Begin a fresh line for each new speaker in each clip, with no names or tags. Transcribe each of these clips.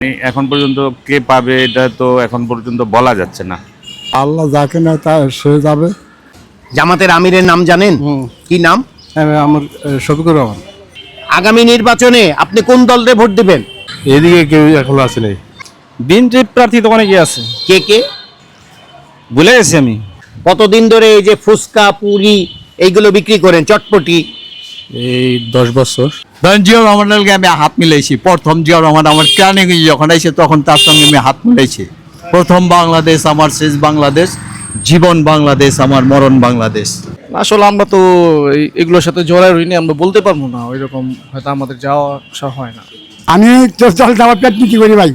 এখন পর্যন্ত কে পাবে এটা তো এখন পর্যন্ত বলা যাচ্ছে না।
আল্লাহ যাকে না তা সে যাবে।
জামাতের আমিরের নাম জানেন? কি নাম?
আমার শফিকুর রহমান।
আগামী নির্বাচনে আপনি কোন দলকে ভোট দিবেন?
এদিকে কেউ এখন আসে নাই।
বিএনপি প্রার্থী তো অনেকে আছে,
কে কে
ভুলে গেছি আমি।
কতদিন ধরে এই যে ফুচকা পুরি এইগুলো বিক্রি করেন, চটপটি?
এই 10 বছর।
জিয়াউর রহমানকে আমি হাত মিলাইছি। প্রথম জিয়াউর রহমান আমার ক্রানে যখন আইছে তখন তার সঙ্গে আমি হাত মিলাইছি। প্রথম বাংলাদেশ আমার, শেষ বাংলাদেশ, জীবন বাংলাদেশ আমার, মরণ বাংলাদেশ।
আসলে আমরা তো এগুলোর সাথে জড়াই রইনি, আমরা বলতে পারবো না। ওই রকম হয়তো আমাদের যাওয়া আসা হয় না।
আমি তো দল আমার পেট নীতি করি ভাই,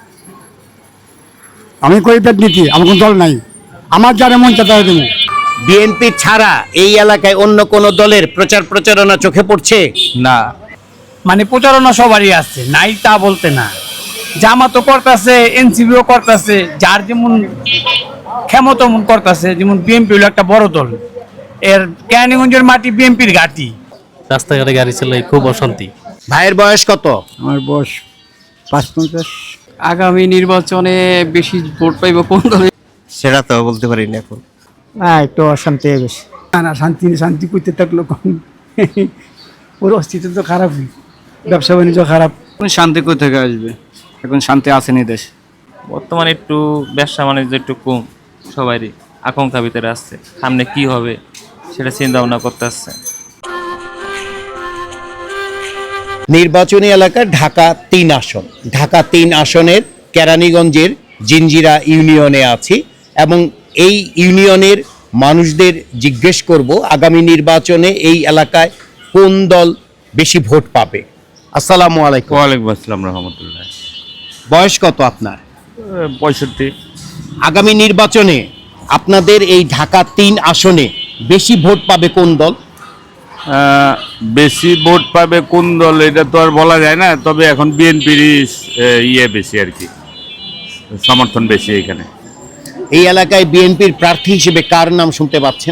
আমি করি পেট নীতি, আমার কোনো দল নাই। আমার যারা মন চায় তারা দেবো।
বিএনপি ছাড়া এই এলাকায় অন্য কোন দলের প্রচার প্রচারণা চোখে পড়ছে?
না,
মানে প্রচারণা সবারই আছে, নাই তা বলতে না। জামাতও করতেছে, এনসিপিও করতেছে, যার যেমন ক্ষমতা মন করতেছে। যেমন বিএনপি হলো একটা বড় দল, এর কেরানীগঞ্জের মাটি বিএনপির ঘাঁটি।
রাস্তাঘাটে গাড়ি চালাই খুব অশান্তি।
ভাইয়ের বয়স কত?
আমার বয়স 55।
আগামী নির্বাচনে বেশি ভোট পাইব কোন দলে
সেটা তো বলতে পারি না এখন।
না, একটু অশান্তি বেশি। না শান্তি শান্তি করতে থাকলো কখন ওর অস্তিত্ব তো খারাপই, ব্যবসা বাণিজ্য খারাপ।
শান্তি কই থেকে আসবে? এখন শান্তি আসেনি দেশে।
বর্তমানে একটু ব্যবসা বাণিজ্য একটু কম, সবারই আকাঙ্ক্ষা ভিতরে আসছে, সামনে কি হবে সেটা চিন্তা ভাবনা করতে আসছে।
নির্বাচনী এলাকা ঢাকা 3 আসন। ঢাকা 3 আসনের কেরানীগঞ্জের জিঞ্জিরা ইউনিয়নে আছি এবং এই ইউনিয়নের মানুষদের জিজ্ঞেস করব আগামী নির্বাচনে এই এলাকায় কোন দল বেশি ভোট পাবে। আসসালামু আলাইকুম।
ওয়ালাইকুম আসসালাম রহমতুল্লাহ।
বয়স কত আপনার?
65।
আগামী নির্বাচনে আপনাদের এই ঢাকা 3 আসনে বেশি ভোট পাবে কোন দল?
বেশি ভোট পাবে কোন দল এটা তো আর বলা যায় না, তবে এখন বিএনপির বেশি আর কি, সমর্থন বেশি এখানে।
এই এলাকায় বিএনপির প্রার্থী হিসেবে কার নাম শুনতে পাচ্ছেন?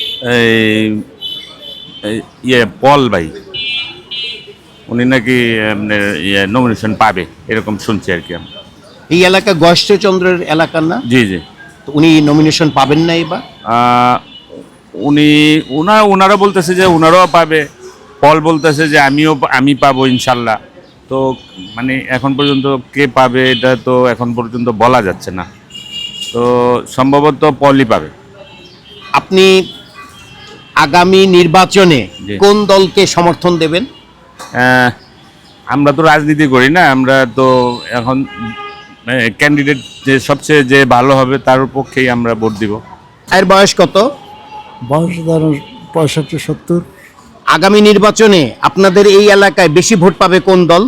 পল ভাই, উনি নাকি নমিনেশন পাবে এরকম শুনছি আর কি আমি।
এই এলাকা গয়েশ্বরচন্দ্রের এলাকার না?
জি জি।
তো উনি নমিনেশন পাবেন না এবার?
ওনারা বলতেছে যে ওনারাও পাবে, পল বলতেছে যে আমি পাবো ইনশাল্লাহ। তো মানে এখন পর্যন্ত কে পাবে এটা তো এখন পর্যন্ত বলা যাচ্ছে না, তো সম্ভবত পলই পাবে।
আপনি আগামী নির্বাচনে
জি।
কোন দলকে সমর্থন দেবেন?
আমরা তো রাজনীতি করি না, আমরা তো এখন ক্যান্ডিডেট যে ভালো হবে তার পক্ষেই আমরা ভোট দিব।
এর বয়স কত?
বয়স ধরুন 65-70।
আগামী নির্বাচনে আপনাদের এই এলাকায় বেশি ভোট পাবে কোন দল?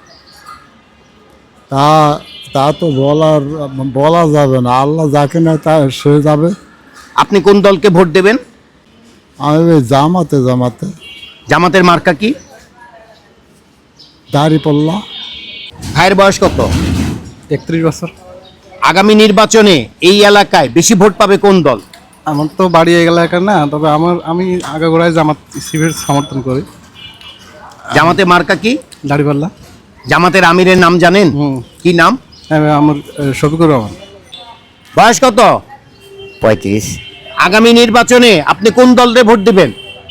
তা তা তো বলা যাবে না। আল্লাহ যাকে না তা সে যাবে।
আপনি কোন দলকে ভোট দেবেন?
আমি ওই জামাতে
জামাতের মার্কা কি?
দাঁড়িপাল্লা।
ভাইয়ের বয়স কত?
31 বছর।
আগামী নির্বাচনে এই এলাকায় বেশি ভোট পাবে কোন দল?
আমার তো বাড়ি এলাকা না, তবে আমি আগাগোড়ায় জামাত শিবির সমর্থন করি।
জামাতের মার্কা কি?
দাড়িপাল্লা।
জামাতের আমিরের নাম জানেন? কি নাম?
আমার শফিকুর রহমান।
বয়স কত?
35।
আগামী নির্বাচনে আপনি কোন দলকে ভোট দিবেন?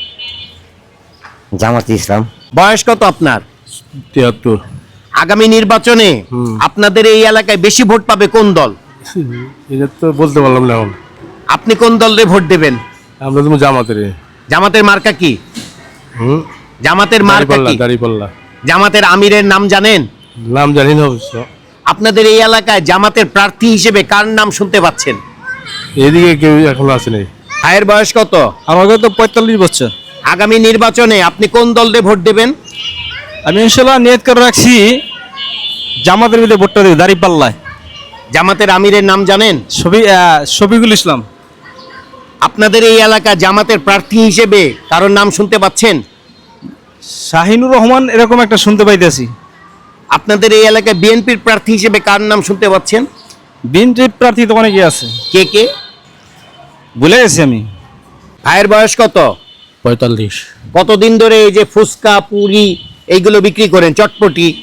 জামাত ইসলাম।
বয়স কত আপনার?
73।
আগামী নির্বাচনে আপনাদের এই এলাকায় বেশি ভোট পাবে কোন দল?
এটা তো বলতে পারলাম না এখন।
আপনি কোন দলকে ভোট দেবেন?
আমরা তুমি জামাতের।
জামাতের মার্কা কি? জামাতের মার্কা কি?
দাঁড়িপাল্লা।
জামাতের আমিরের নাম জানেন?
নাম জানি না অবশ্য।
আপনাদের এই এলাকায় জামাতের প্রার্থী হিসেবে কার নাম শুনতে পাচ্ছেন?
এদিকে কেউ এখন আসে নাই।
ভাইয়ের বয়স কত?
আমাকে তো 45 বছর।
আগামী নির্বাচনে আপনি কোন দলকে ভোট দেবেন?
আমি ইনশাল্লাহ নিয়ত করে রাখছি জামাতের ভিতরে ভোটটা দেব, দাড়িপাল্লায়।
জামাতের আমিরের নাম জানেন?
শফিকুল ইসলাম।
আপনাদের এই এলাকা জামাতের প্রার্থী হিসেবে কারোর নাম শুনতে পাচ্ছেন?
শাহিনুর রহমান এরকম একটা শুনতে পাইতেছি।
আপনাদের এই এলাকায় বিএনপির প্রার্থী হিসেবে কার নাম শুনতে পাচ্ছেন?
বিএনপি প্রার্থী তো অনেকে আছে,
কে কে?
ভুলে গেছি আমি।
ভাইয়ের বয়স কত?
45।
কতদিন ধরে এই যে ফুচকা পুরি এইগুলো বিক্রি করেন, চটপটি?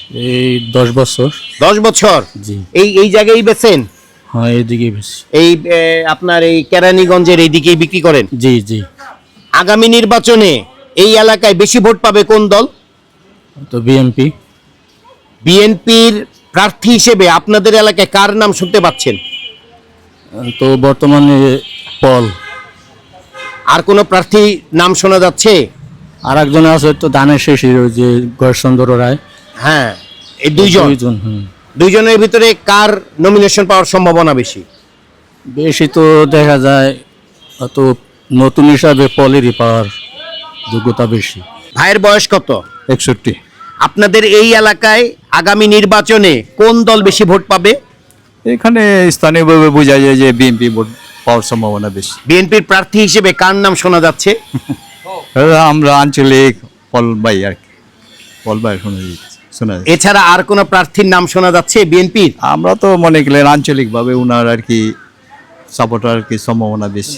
এই 10 বছর।
10 বছর।
জি।
এই জায়গায় বেচেন?
হ্যাঁ, এইদিকে বেশি।
এই আপনার এই কেরানীগঞ্জের এইদিকেই বিক্রি করেন?
জি জি।
আগামী নির্বাচনে এই এলাকায় বেশি ভোট পাবে কোন দল?
তো বিএনপি।
বিএনপির প্রার্থী হিসেবে আপনাদের এলাকায় কার নাম শুনতে পাচ্ছেন?
তো বর্তমানে পল।
আর কোন প্রার্থী নাম শোনা যাচ্ছে?
আর একজন আছে তো ধানের শেষের, ওই যে গয়েশচন্দ্র রায়।
হ্যাঁ, এই দুইজন। দুইজনের ভিতরে কার নমিনেশন পাওয়ার সম্ভাবনা বেশি?
বেশি তো দেখা যায় তো নতুন হিসাবে পলেরই পাওয়ার যোগ্যতা বেশি।
ভাইয়ের বয়স কত?
61।
আপনাদের এই এলাকায় আগামী নির্বাচনে কোন দল বেশি ভোট পাবে?
এখানে স্থানীয়ভাবে বোঝা যায় যে বিএনপি ভোট পাওয়ার সম্ভাবনা বেশি।
বিএনপির প্রার্থী হিসেবে কার নাম শোনা যাচ্ছে?
আমরা আঞ্চলিক পল ভাই আর কি, পল ভাই শোনা যায়।
এছাড়া আর কোন প্রার্থীর নাম শোনা যাচ্ছে বিএনপির?
আমরা তো মনে করলেন আঞ্চলিকভাবে উনার আর কি সাপোর্টার আর কি সম্ভাবনা বেশি।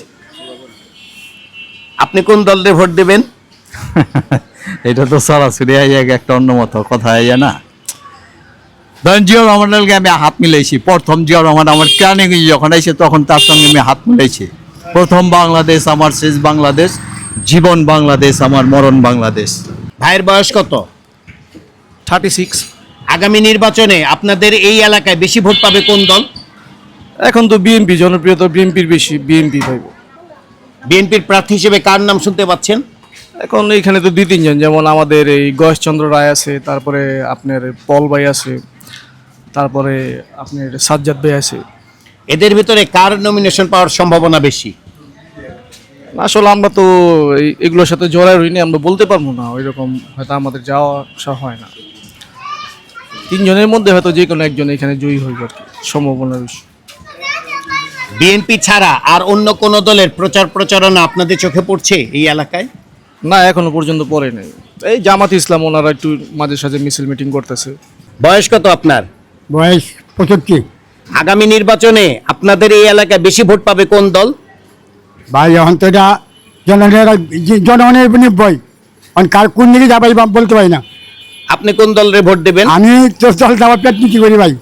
আপনি কোন দলের ভোট দেবেন?
এটা তো সরাসরি একটা অন্য মতো কথা আইয়া না। ধরেন জিয়া রহমানের লগে আমি হাত মিলাইছি, প্রথম জিয়া রহমান আমার কেরানি যখন আইছে তখন তার সঙ্গে আমি হাত মিলাইছি। প্রথম বাংলাদেশ আমার শেষ বাংলাদেশ, জীবন বাংলাদেশ আমার মরণ বাংলাদেশ।
ভাইয়ের বয়স কত?
36।
আগামী নির্বাচনে আপনাদের এই এলাকায় বেশি ভোট পাবে কোন দল?
এখন তো বিএনপি জনপ্রিয়তা, বিএনপির বেশি, বিএনপি পাইব।
বিএনপির প্রার্থী হিসেবে কার নাম শুনতে পাচ্ছেন?
এখন এইখানে তো 2-3 জন, যেমন আমাদের এই গয়েশচন্দ্র রায় আছে, তারপরে আপনার পল ভাই আছে, তারপরে আপনার সাজ্জাদ ভাই আছে।
এদের ভিতরে কার নমিনেশন পাওয়ার সম্ভাবনা বেশি?
আসলে আমরা তো এগুলোর সাথে জড়াই রইনি, আমরা বলতে পারবো না। ওইরকম হয়তো আমাদের যাওয়া আসা হয় না। 3 জনের মধ্যে হয়তো যে কোনো একজন এখানে জয়ী হইব আর কি, সম্ভাবনা বেশি।
বিএনপি ছাড়া আর অন্য কোন দলের প্রচারণা আপনাদের চোখে পড়ছে এই এলাকায়?
না, এখনো পর্যন্ত পড়ে নাই। এই জামাত ইসলাম ওনারা একটু মাঝে সাঝে মিছিল মিটিং করতেছে।
বয়স কত আপনার?
বয়স 75।
আগামী নির্বাচনে আপনাদের এই এলাকায় বেশি ভোট পাবে কোন দল?
ভাই এখন তো এটা জনগণের বই, এখন কার কোন দিকে যাবাই বলতে পারি না।
আপনি কোন দলের ভোট দেবেন?
আমি তো দল যাওয়ার পেট নীতি করি ভাই,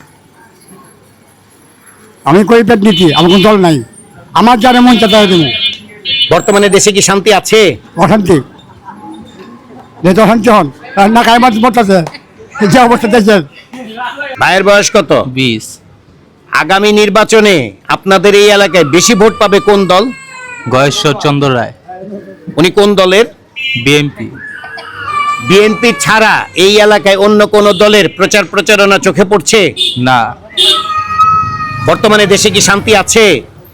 আমি করি পেট নীতি, আমার কোন দল নাই। আমার যারা মন চাতা দেবো।
বর্তমানে দেশে কি শান্তি আছে?
অশান্তি, যেহেতু অশান্তি হন না কায় মাছ বলতেছে যে অবস্থা দেখছেন।
ভাইয়ের বয়স কত?
20।
আগামী নির্বাচনে আপনাদের এই এলাকায় বেশি ভোট পাবে কোন দল?
গয়েশচন্দ্র রায়।
উনি কোন দলের?
বিএনপি।
বিএনপি ছাড়া এই এলাকায় অন্য কোন দলের প্রচারণা চোখে পড়ছে?
না।
বর্তমানে দেশে কি শান্তি আছে?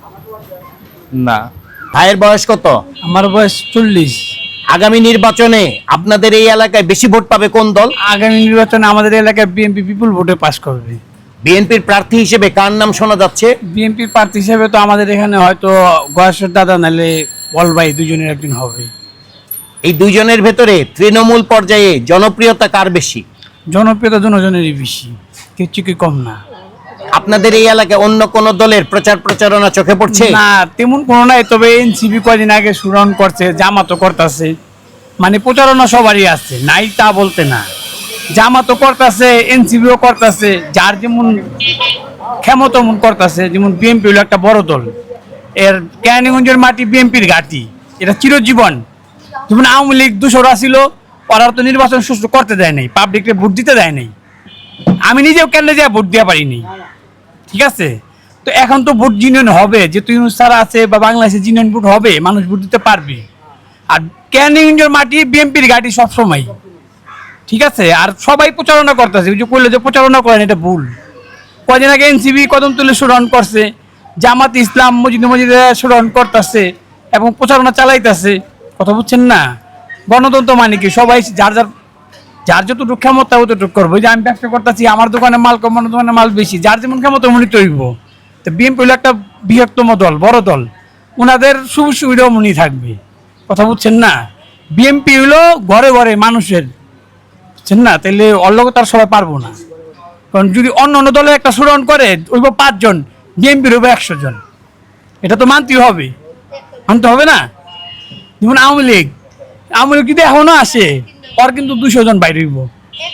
না।
ভাইয়ের বয়স কত?
আমার বয়স 40।
আগামী নির্বাচনে আপনাদের এই এলাকায় বেশি ভোট পাবে কোন দল?
আগামী নির্বাচনে আমাদের এলাকায় বিএনপি বিপুল ভোটে পাস করবে।
বিএনপির প্রার্থী হিসেবে কার নাম শোনা যাচ্ছে?
বিএনপির প্রার্থী হিসেবে তো আমাদের এখানে হয়তো গয়েশ্বর দাদা নাহলে বল ভাই, দুজনের একজন হবে।
এই দুইজনের ভেতরে তৃণমূল পর্যায়ে জনপ্রিয়তা কার বেশি?
জনপ্রিয়তা জনজনেরই বেশি, কিছু কি কম না।
আপনাদের এই এলাকায় অন্য কোন দলের প্রচারণা চোখে পড়ছে?
না, তেমন কোনো নাই। তবে এনসিপি কয়দিন আগে সুরন করছে, জামাতও করতেছে, মানে প্রচারণা সবারই আছে, নাই তা বলতে না। জামাতও করতেছে, এনসিপিও করতেছে, যার যেমন ক্ষমতা তেমন করতেছে। যেমন বিএনপি হলো একটা বড় দল, এর কেরানীগঞ্জের মাটি বিএনপির ঘাঁটি, এটা চিরজীবন। যেমন আওয়ামী লীগ 200 ছিল, ওরা তো নির্বাচন সুষ্ঠু করতে দেয় নাই, পাবলিককে ভোট দিতে দেয় নাই। আমি নিজেও কেন্দ্রে যাই ভোট দিয়ে পারিনি, ঠিক আছে? তো এখন তো ভোট জিনিয়ন হবে, যেহেতু ইউনুস স্যার আছে বা বাংলাদেশে জিনিয়ন ভোট হবে, মানুষ ভোট দিতে পারবে। আর কেরানীগঞ্জের মাটি বিএনপির ঘাঁটি সবসময়, ঠিক আছে? আর সবাই প্রচারণা করতেছে, ওই যে কইলো যে প্রচারণা করেন, এটা ভুল। কদিন আগে এনসিবি কদমতলী স্মরণ করছে, জামাত ইসলাম মসজিদে স্মরণ করতেছে এবং প্রচারণা চালাইতেছে। কথা বুঝছেন না? গণতন্ত্র মানে কি, সবাই যার যতটুকু ক্ষমতা অতটুকু করবো। যে আমি ব্যবসা করতেছি, আমার দোকানে মাল কম, আমার দোকানে মাল বেশি, যার যেমন ক্ষমতা মনে তৈব। তো বিএনপি হলো একটা বৃহত্তম দল, বড় দল, ওনাদের সুযোগ সুবিধাও মনে থাকবে। কথা বুঝছেন না? বিএনপি হলো ঘরে ঘরে মানুষের, বুঝছেন না? তাহলে অল্লগ তার সবাই পারবো না। কারণ যদি অন্য অন্য দলে একটা স্মরণ করে ওইব 5 জন, বিএনপির হইব 100 জন, এটা তো মানতেই হবে, মানতে হবে না? যেমন আওয়ামী লীগ যদি এখনো আসে, ওর কিন্তু 200 জন বাইরে হইব।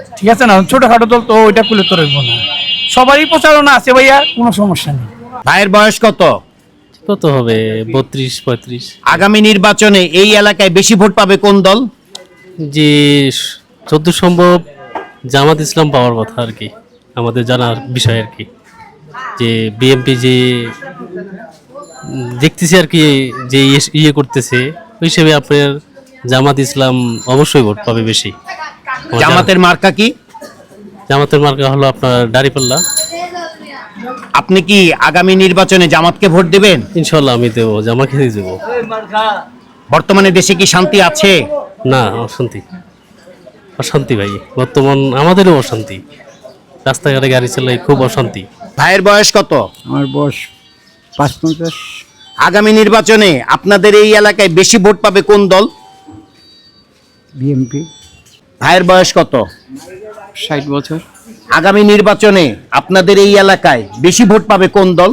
ঠিক আছে না, ছোটখাটো দল তো ওইটা করলে তো রইব না, সবারই প্রচারণা আছে ভাইয়া, কোনো সমস্যা নেই।
ভাইয়ের বয়স কত?
কত হবে, 32-35।
আগামী নির্বাচনে এই এলাকায় বেশি ভোট পাবে কোন দল?
যে যতদূর সম্ভব জামাত ইসলাম পাওয়ার কথা আর কি, আমাদের জানার বিষয় আর কি। যে বিএনপি যে দেখতেছি আর কি, যে ইয়ে করতেছে ওই হিসেবে আপনার জামাত ইসলাম অবশ্যই ভোট পাবে বেশি।
জামাতের মার্কা কি?
জামাতের মার্কা হলো আপনার দাঁড়িপাল্লা।
আপনি কি আগামী নির্বাচনে জামাতকে ভোট দেবেন?
ইনশাল্লাহ আমি দেবো, জামাকে দেবো।
বর্তমানে দেশে কি শান্তি আছে?
না, অশান্তি, অশান্তি ভাই, বর্তমান আমাদেরও অশান্তি, রাস্তাঘাটে গাড়ি চালাই খুব অশান্তি।
ভাইয়ের বয়স কত?
আমার বয়স 55।
আগামী নির্বাচনে আপনাদের এই এলাকায় বেশি ভোট পাবে কোন দল?
বিএমপি।
ভাইয়ের বয়স কত?
60 বছর।
আগামী নির্বাচনে আপনাদের এই এলাকায় বেশি ভোট পাবে কোন দল?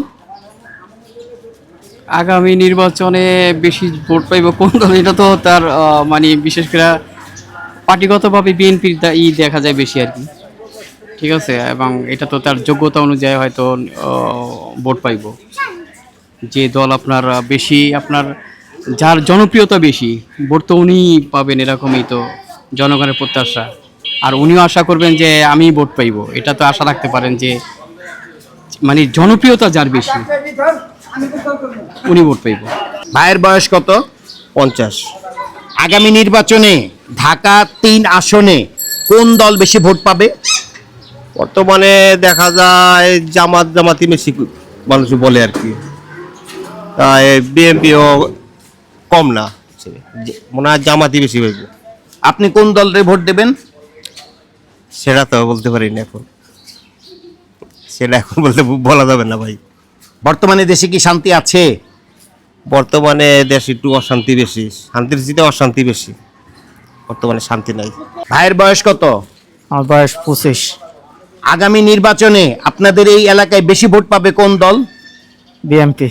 আগামী নির্বাচনে বেশি ভোট পাইব কোন দল, এটা তো তার মানে বিশেষ করে পার্টিগতভাবে বিএনপির দেখা যায় বেশি আর কি, ঠিক আছে, এবং এটা তো তার যোগ্যতা অনুযায়ী হয়তো ভোট পাইব। যে দল আপনার বেশি, আপনার যার জনপ্রিয়তা বেশি, ভোট তো উনি পাবেন, এরকমই তো জনগণের প্রত্যাশা। আর উনিও আশা করবেন যে আমি ভোট পাইব, এটা তো আশা রাখতে পারেন যে মানে জনপ্রিয়তা যার বেশি উনি ভোট পাইব।
ভাইয়ের বয়স কত?
50।
আগামী নির্বাচনে ঢাকা 3 আসনে কোন দল বেশি ভোট পাবে?
বর্তমানে দেখা যায় জামাতি বেশি মানুষ বলে আর কি, তাই বিএনপিও কম না, মনে হয় জামাতি বেশি হইব।
আপনি কোন দলরে ভোট দেবেন?
সেটা তো বলতে পারি না এখন, সেটা এখন বলতে বলা যাবে না ভাই।
বর্তমানে দেশে কি শান্তি আছে?
বর্তমানে দেশে একটু অশান্তি বেশি, শান্তির চেয়ে অশান্তি বেশি, বর্তমানে শান্তি নাই।
ভাইয়ের বয়স কত?
আমার বয়স 25।
আগামী নির্বাচনে আপনাদের এই এলাকায় বেশি ভোট পাবে কোন দল?
বিএমপি।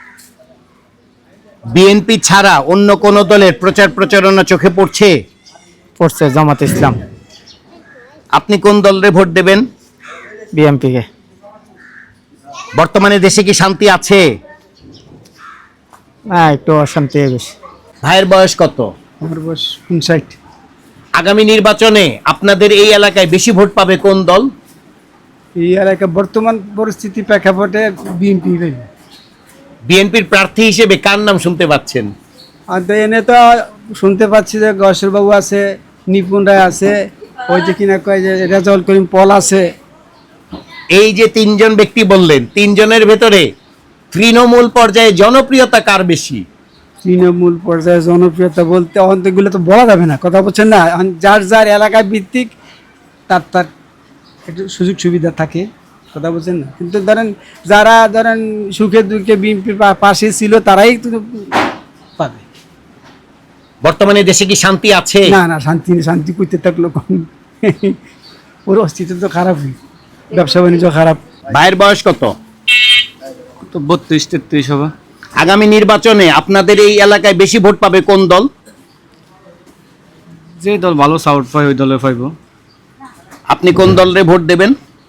বিএনপি ছাড়া অন্য কোন দলের প্রচার প্রচারণা চোখে পড়ছে?
পড়ছে জামাত ইসলাম।
আপনি কোন দলরে ভোট দেবেন?
বিএমপি কে।
বর্তমানে দেশে কি শান্তি আছে?
না, একটু অশান্তি বেশি।
ভাইয়ের বয়স কত?
আমার বয়স 59।
আগামী নির্বাচনে আপনাদের এই এলাকায় বেশি ভোট পাবে কোন দল?
এই এলাকা বর্তমান পরিস্থিতি প্রেক্ষাপটে বিএনপি।
বিএনপির প্রার্থী হিসেবে কার নাম শুনতে পাচ্ছেন?
আর তো এনে তো শুনতে পাচ্ছি যে গসরবাবু আছে, নিপুণ রায় আছে, ওই যে কিনা কয় যে রেজাউল করিম পল আছে।
এই যে 3 জন ব্যক্তি বললেন, 3 জনের ভেতরে তৃণমূল পর্যায়ে জনপ্রিয়তা কার বেশি?
তৃণমূল পর্যায়ে জনপ্রিয়তা বলতে অন্তগুলো তো বলা যাবে না, কথা বলছেন না, যার যার এলাকায় ভিত্তিক তার তার একটু সুযোগ সুবিধা থাকে, কথা বলছেন না। কিন্তু যারা সুখে দুঃখে বিএনপির পাশে ছিল তারাই তো পাবে।
বর্তমানে দেশে কি শান্তি আছে?
না না, শান্তি করতে থাকলো কম, ওর অস্তিত্ব তো খারাপই, ব্যবসা বাণিজ্য খারাপ।
ভাইয়ের বয়স কত?
তো 32-33 হবে।
আগামী নির্বাচনে আপনাদের এই এলাকায় বেশি ভোট পাবে কোন দল?
যে দল ভালো সাউট পায় ওই দলে পাইব।
আপনি কোন দলরে ভোট দেবেন?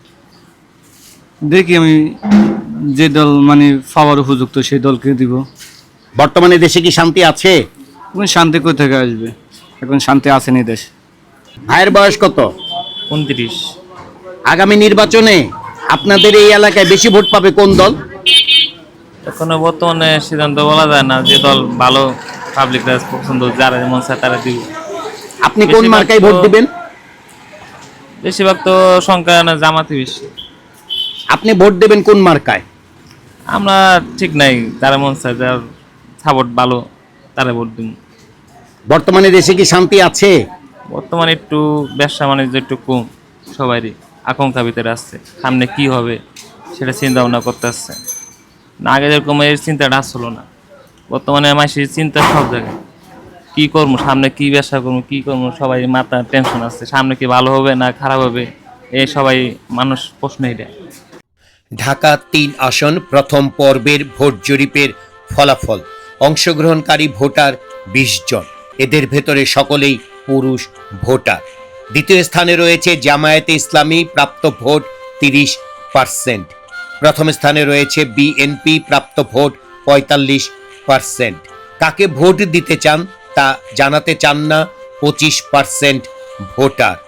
দেখি আমি যে দল মানে পাওয়ার উপযুক্ত সেই দলকে দিব।
বর্তমানে দেশে কি শান্তি আছে?
এখন শান্তি কোথা থেকে আসবে, এখন শান্তি আসেনি দেশ।
ভাইয়ের বয়স কত?
29।
আগামী নির্বাচনে আপনাদের এই এলাকায় বেশি ভোট পাবে কোন দল?
এখনো বর্তমানে সিদ্ধান্ত বলা যায় না, যে দল ভালো পাবলিক রাজ পছন্দ, যারা যেমন চায় তারা দিব।
আপনি কোন মার্কায় ভোট দিবেন?
বেশিরভাগ তো সংখ্যা না জামাতি বেশি।
আপনি ভোট দেবেন কোন মার্কায়?
আমরা ঠিক নাই, যারা মন চায়, যার সাপোর্ট ভালো তারা ভোট দিব।
বর্তমানে দেশে কি শান্তি আছে?
বর্তমানে একটু ব্যবসা বাণিজ্য একটু কম, সবারই আকাঙ্ক্ষা ভিতরে আসছে, সামনে কি হবে সেটা চিন্তা ভাবনা করতে আসছে না। আগে যেরকম এর চিন্তাটা আসলো না, বর্তমানে মানুষের চিন্তা সব জায়গায়, কি করবো সামনে, কি ব্যবসা করবো, কি করবো, সবাই মাথা টেনশন আছে, সামনে কি ভালো হবে না খারাপ হবে, এই সবাই মানুষ প্রশ্ন এটা।
ঢাকা 3 আসন প্রথম পর্বের ভোট জরিপের ফলাফল। অংশগ্রহণকারী ভোটার 20 জন, এদের ভেতরে সকলেই পুরুষ ভোটার। দ্বিতীয় স্থানে রয়েছে জামায়াতে ইসলামী, প্রাপ্ত ভোট 30%। প্রথম স্থানে রয়েছে বিএনপি, প্রাপ্ত ভোট 45%। কাকে ভোট দিতে চান তা জানাতে চান না 25% ভোটার।